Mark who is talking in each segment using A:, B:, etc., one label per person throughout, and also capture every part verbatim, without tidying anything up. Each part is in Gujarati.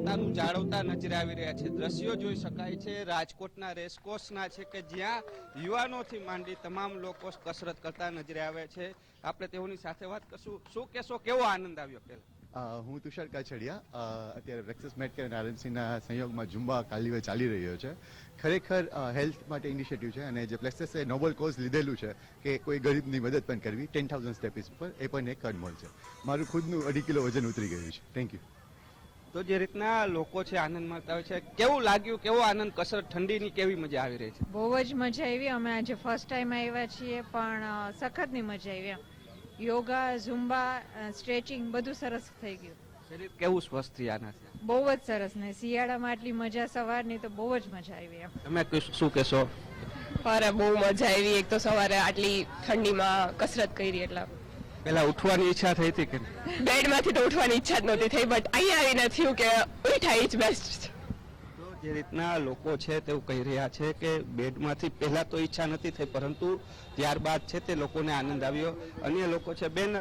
A: સ્વચ્છતાનું જાળવતા નજરે આવી રહ્યા છે। દ્રશ્યો જોઈ શકાય છે રાજકોટના રેસકોર્સના છે કે જ્યાં યુવાનોથી માંડી તમામ લોકો કસરત કરતા નજરે આવે છે। આપણે તેઓની સાથે વાત કરશું। શું કહેશો, કેવો આનંદ આવ્યો? પહેલા
B: હું તુષાર કાછડિયા અત્યારે બ્રેક્સસ મેડકેર અને આરએમસીના સંયોગમાં ઝુંબા કાલીવે ચાલી રહ્યો છે। ખરેખર હેલ્થ માટે ઇનિશિયેટિવ છે અને જે પ્લેક્સસે નોબલ કોઝ લીધેલું છે કે કોઈ ગરીબની મદદ પણ કરવી ટેન થાઉઝન્ડ સ્ટેપીસ ઉપર, એ પણ એક અનમોલ છે। મારું ખુદનું અઢી કિલો વજન ઉતરી ગયું છે। Thank you.
A: તો જે રીતના લોકો છે આનંદ માણતા હોય છે, કેવું લાગ્યું? કેવો આનંદ? કસરત ઠંડીની કેવી મજા આવી રહી છે?
C: બહુ જ મજા આવી। અમે આજે ફર્સ્ટ ટાઈમ આવ્યા છીએ પણ સખતની મજા આવી એમ। યોગા, ઝુંબા, સ્ટ્રેચિંગ બધું સરસ થઈ ગયું।
A: શરીર કેવું સ્વસ્થ થઈ આનાથી?
C: બહુ જ સરસ ને શિયાળામાં આટલી મજા સવારની તો બહુ જ મજા આવી એમ।
A: તમે શું કહેશો?
D: અરે બહુ મજા આવી। એક તો સવારે આટલી ઠંડીમાં કસરત કરી એટલે
A: પેલા ઉઠવાની ઈચ્છા થઈ હતી કે
D: બેડમાંથી તો ઉઠવાની ઈચ્છા જ નહોતી થઈ, બટ અહીંયા આવીને થયું કે ઉઠાય ઇઝ બેસ્ટ।
A: તો જે રીતના લોકો છે તેવું કહી રહ્યા છે કે બેડમાંથી પહેલા તો ઈચ્છા નથી થઈ, પરંતુ ત્યારબાદ છે તે લોકોને આનંદ આવ્યો। અન્ય લોકો છે, બેન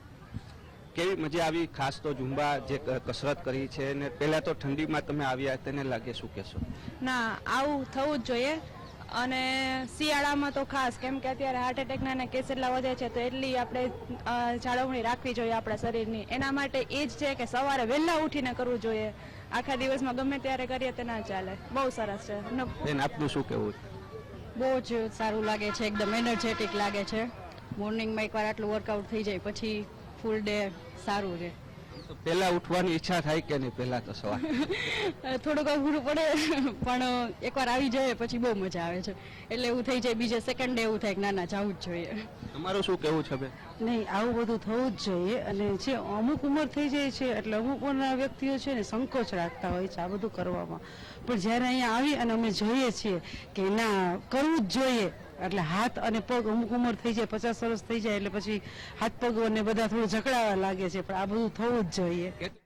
A: કેવી મજા આવી? ખાસ તો ઝુંબા જે કસરત કરી છે ને પહેલા તો ઠંડીમાં તમે આવ્યા, તેને લાગે શું કહેશો?
E: ના, આવું થવું જ જોઈએ અને શિયાળામાં તો ખાસ, કેમ કે અત્યારે હાર્ટ એટેકના કેસ એટલા વધે છે તો એટલી આપણે જાળવણી રાખવી જોઈએ આપણા શરીરની। એના માટે એ જ છે કે સવારે વહેલા ઉઠીને કરવું જોઈએ। આખા દિવસમાં ગમે ત્યારે કરીએ તે ના ચાલે। બહુ સરસ છે।
A: બેન આપનું શું કહેવું?
F: બહુ જ સારું લાગે છે, એકદમ એનર્જેટિક લાગે છે। મોર્નિંગમાં એકવાર આટલું વર્કઆઉટ થઈ જાય પછી ફૂલ ડે સારું રહે।
A: પહેલા ઉઠવાની ઈચ્છા થાય કે નહીં? પહેલા તો સવાર
F: થોડુંક અઘરું પડે પણ એકવાર આવી જાય પછી બહુ મજા આવે છે, એટલે એવું થઈ જાય બીજે સેકન્ડ ડે એવું થાય કે ના ના જવું જ જોઈએ।
A: તમારું શું કહેવું છે બેન?
G: નહીં, આવું બધું થવું જ જોઈએ અને જે અમુક ઉંમર થઈ જાય છે એટલે અમુક ઉંમરના વ્યક્તિઓ છે ને સંકોચ રાખતા હોય છે આ બધું કરવામાં, પણ જ્યારે અહીંયા આવી અને અમે જોઈએ છીએ કે ના કરવું જ જોઈએ, એટલે હાથ અને પગ અમુક ઉંમર થઈ જાય, પચાસ વર્ષ થઈ જાય એટલે પછી હાથ પગ અને બધા થોડું જકડાવા લાગે છે, પણ આ બધું થવું જ જોઈએ।